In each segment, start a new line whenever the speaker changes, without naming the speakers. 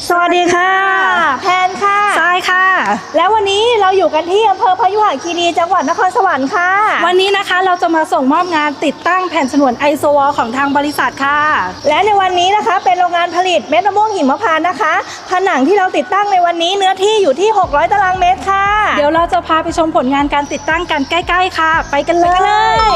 สวัสดีค่ะแพนค่ะ
ทรายค่ะ
แล้ววันนี้เราอยู่กันที่อำเภอพยุหคีรีจังหวัดนครสวรรค์ค่ะ
วันนี้นะคะเราจะมาส่งมอบงานติดตั้งแผ่นฉนวนไอโซวอลของทางบริษัทค่ะ
และในวันนี้นะคะเป็นโรงงานผลิตเม็ดมะม่วงหิมพานต์นะคะผนังที่เราติดตั้งในวันนี้เนื้อที่อยู่ที่600ตารางเมตรค่ะ
เดี๋ยวเราจะพาไปชมผลงานการติดตั้งกันใกล้ๆค่ะไปกันเลย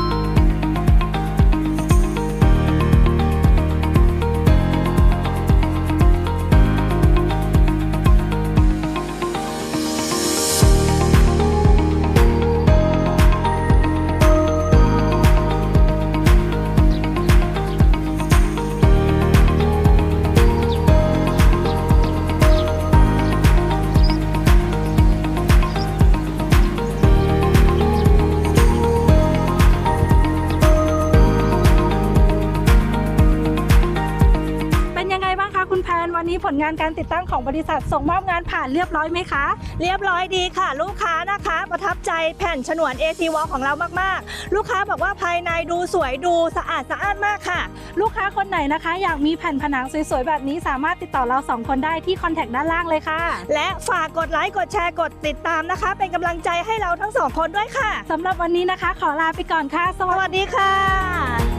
คุณแพนวันนี้ผลงานการติดตั้งของบริษัทส่งมอบงานผ่านเรียบร้อยไหมคะ
เรียบร้อยดีค่ะลูกค้านะคะประทับใจแผ่นฉนวน AC Wall ของเรามากๆลูกค้าบอกว่าภายในดูสวยดูสะอาดสะอ้านมากค่ะ
ลูกค้าคนไหนนะคะอยากมีแผ่นผนังสวยๆแบบนี้สามารถติดต่อเรา2คนได้ที่คอนแทคด้านล่างเลยค่ะ
และฝากกดไลค์กดแชร์กดติดตามนะคะเป็นกำลังใจให้เราทั้ง2คนด้วยค่ะ
สำหรับวันนี้นะคะขอลาไปก่อนค่ะ
สวัสดีค่ะ